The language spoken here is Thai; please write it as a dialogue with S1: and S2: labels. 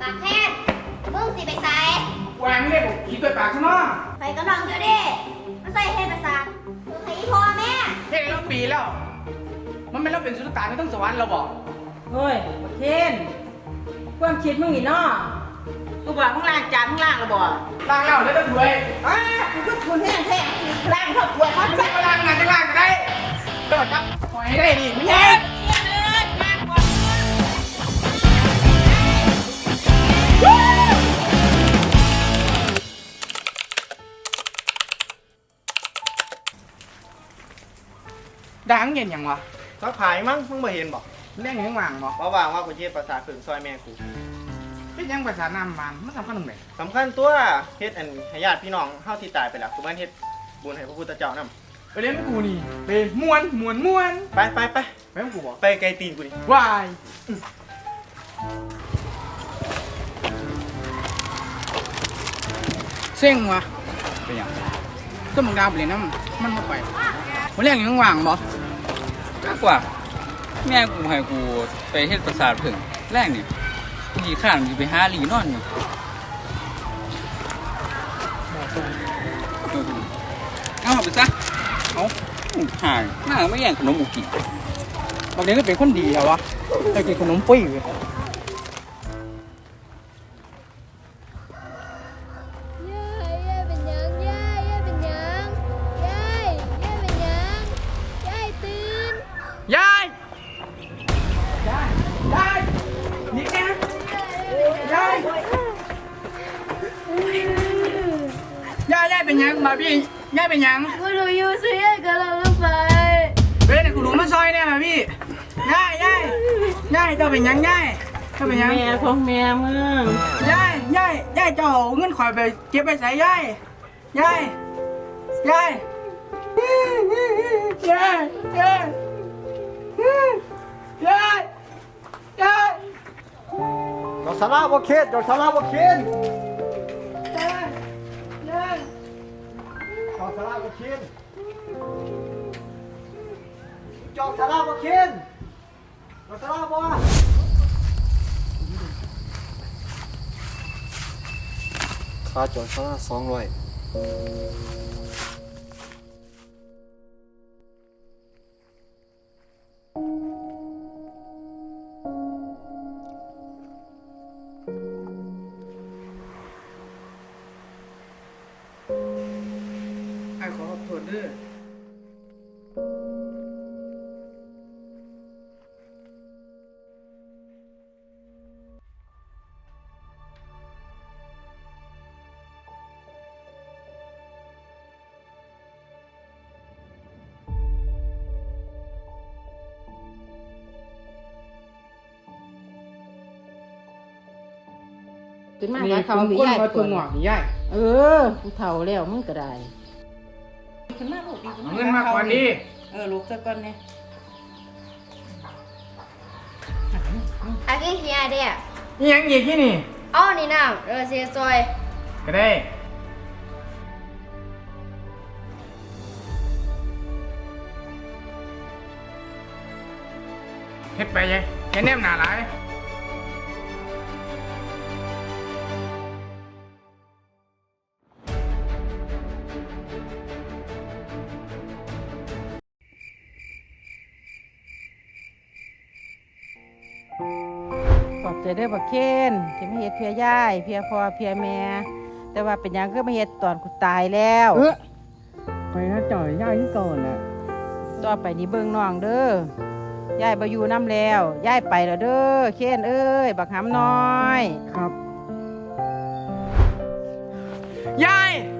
S1: ปากแค้นมึงสิไปใส่
S2: วางเลยบอกขี้ตัวปากซะเนาะ
S1: ไปกำลังอยู่ดิมาใส่เฮ็ดประสาทมึงให้พ่อแม่
S2: เฮ็ดแล้วปีแล้วมันไม่เราเป็นสุลต่านไม่ต้องสวรรค์เราบอก
S3: เฮ้ยบักเคนความคิดมึงนี่เนาะกูบอกมึงล้างจานมึงล้างแล้วบ่
S2: ล้างแล้วแล้วต้องถวย
S3: กูก็ทุนแห้งแท้ล้างครอบครัวเขา
S2: ไม่ล้างงานจะล้างก็ได้ก็จับปล่อยให้ได้ดิไม่ใช่ดังเย็นยังวะ
S4: เขาขายมั้งมึงมาเห็นบอก
S2: เรื่องยังว่างบ่
S4: ว่าว่างว่ากูเฮ็ดภาษาฝึกซอยแม่กู
S2: เป็นยังภาษาน้ำมันมันสำคัญตรงไหน
S4: สำคัญตัวเฮ็ดอันให้ญาติพี่น้องเฮาที่ตายไปแล้วกูมันเฮ็ดบุญให้พระพุทธเจ้านำ
S2: ไปเล่นกูนี่ไปม้วน
S4: ไปไป
S2: กับกูบอก
S4: ไปไกลตีนกูนี่
S2: วายเซ็งวะเป็นยังก็มึงดาวไปเลยนะมันมาไปวันแรกยังว่างบ่
S5: มากกว่าแม่กูให้กูไปเฮ็ดประสาทผึ่งแรกนี่กูขี่ข้านอยู่ไปหาหลีนอนอยู่เอาไปซะเอาหายหน้าไม่แย่งขนมบุกี้
S2: บางทีก็เป็นคนดีเหรอวะแต่กินขนมปุ้ยเลยยายนี่แกยายเป็นยังมาพี่ยายเป็นยัง
S1: กูรู้อยู่สิกำลังลงไป
S2: เฮ้ยกูรู้มาซอยเนี่ยมาพี่ยายเจ้าเป็นยังยายเจ้าเป็นยัง
S3: แม่ของแม่มึง
S2: ยายเจ้าเงินข่อยไปเก็บไปใส่ยาย
S4: ดอกสาราบ่เข็ดดอกสาราบ่เข็ดดอกสาราบ่เข็ดดอกสาราบ่เข็ดดอกสาราบ่ค่าจอดสารา200
S2: ไอ้ขอโทษด้วย
S3: ขึ้นมา
S2: นี่
S3: หา
S2: เขา
S3: เขา
S2: ก้น
S3: ยาย
S2: มาตัวหงอกนี่ยาย
S3: กูเฒ่าแล้วมึงก็ได้ขึ้นมาลูก
S2: เอาเงินมากกว่านี้
S3: ลูกซะก่อนเนี่ย
S1: อากิเฮียเด้อ
S2: นี่ยังอีกที่นี่
S1: อ้อนี่น้ำเสียซอย
S2: ก็ได้เฮ็ดไปยัยอย่าแนมหนาหลาย
S3: ขอบใจเด้อบักเคนที่มาเฮ็ดเพียยายเพียพ่อเพียแม่แต่ว่าเป็นหยังคือมาเฮ็ดตอนกูตายแล้ว
S2: ไปนะจ่อยย่าที่ก่อนน่ะ
S3: ต่อไปนี้เบิ่งน้องเด้อยายบ่อยู่นำแล้วยายไปแล้วเด้อเคนเอ้ยบักหำน้อย
S2: ครับยาย